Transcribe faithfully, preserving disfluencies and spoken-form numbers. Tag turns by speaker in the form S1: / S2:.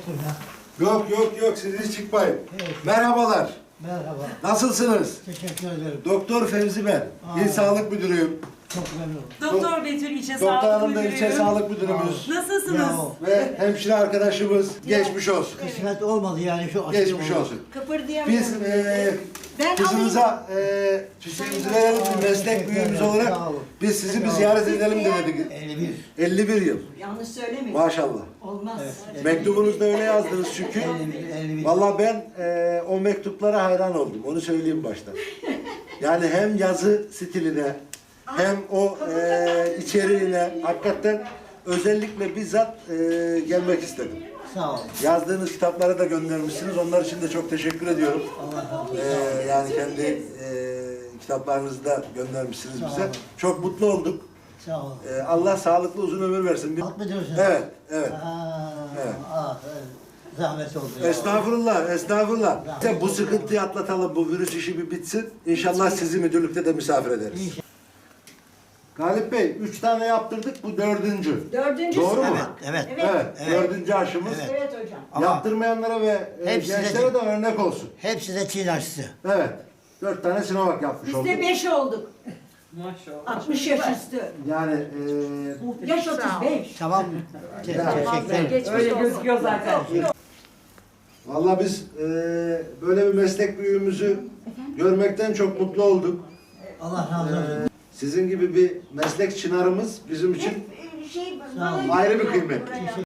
S1: çıktım ya.
S2: Yok yok yok siz hiç çıkmayın.
S1: Evet.
S2: Merhabalar.
S1: Merhaba.
S2: Nasılsınız?
S1: Teşekkür ederim.
S2: Doktor Fevzi ben.
S1: Aa.
S2: İl Sağlık Müdürüyüm.
S1: Çok memnunum.
S3: Doktor Betül İlçe
S2: Doktor
S3: Sağlık
S2: Hanım da
S3: Müdürü.
S2: ilçe sağlık müdürümüz.
S3: Nasılsınız?
S1: Ya o.
S2: Ve hemşire arkadaşımız geçmiş olsun.
S1: Kısmet olmadı yani şu aşıyı
S2: Geçmiş
S1: oldu.
S2: olsun.
S3: Kıpırdayamıyorum.
S2: Biz e,
S3: Ben
S2: kızınıza e, çiçeğimizi verelim bir meslek büyüğümüz olarak.
S1: Sağ olun.
S2: Biz sizi bir ziyaret edelim dedik.
S1: elli bir.
S2: elli bir yıl.
S3: Yanlış söylemeyin.
S2: Maşallah.
S3: Olmaz.
S1: Evet.
S2: Mektubunuzda öyle yazdınız çünkü.
S1: elli bir. elli bir.
S2: Vallahi ben e, o mektuplara hayran oldum. Onu söyleyeyim baştan. Yani hem yazı stiline hem o e, içeriğine hakikaten özellikle bizzat e, gelmek istedim.
S1: Sağ olun.
S2: Yazdığınız kitapları da göndermişsiniz. Onlar için de çok teşekkür ediyorum.
S1: Allah razı olsun.
S2: E, yani kendi e, kitaplarınızı da göndermişsiniz
S1: Sağ
S2: bize.
S1: olun.
S2: Çok mutlu olduk.
S1: Sağ olun.
S2: E, Allah sağlıklı uzun ömür versin.
S1: Halk mı diyorsun?
S2: Evet, evet.
S1: Aa,
S2: Evet.
S1: Ah, zahmet oldu ya.
S2: Estağfurullah, estağfurullah. İşte bu sıkıntıyı atlatalım, bu virüs işi bir bitsin. İnşallah sizi müdürlükte de misafir ederiz.
S1: İnşallah.
S2: Galip Bey, üç tane yaptırdık, bu dördüncü.
S3: Dördüncüsü.
S2: Doğru mu?
S1: Evet, evet.
S3: Evet.
S2: Evet,
S1: Evet.
S2: dördüncü aşımız.
S1: Evet.
S3: Evet hocam.
S1: Ama
S2: Yaptırmayanlara ve e,
S1: hepsi de-
S2: gençlere de örnek olsun.
S1: hepsi de Çin aşısı.
S2: Evet, dört tane Sinovac yapmış
S3: Biz
S2: olduk.
S3: de beş olduk.
S4: Maşallah.
S3: altmış yaş üstü.
S2: Yani e,
S3: Yaş otuz beş.
S1: Tamam. Te- teşekkür ederim.
S3: Geçmiş
S4: Öyle
S3: olsun.
S4: gözüküyor zaten.
S2: vallahi biz e, böyle bir meslek büyüğümüzü görmekten çok mutlu olduk.
S1: Allah razı olsun.
S2: Sizin gibi bir meslek çınarımız bizim için
S3: Hep, e, şey,
S1: Sağ olun.
S3: bana-
S2: ayrı bir kıymet.
S3: Buraya.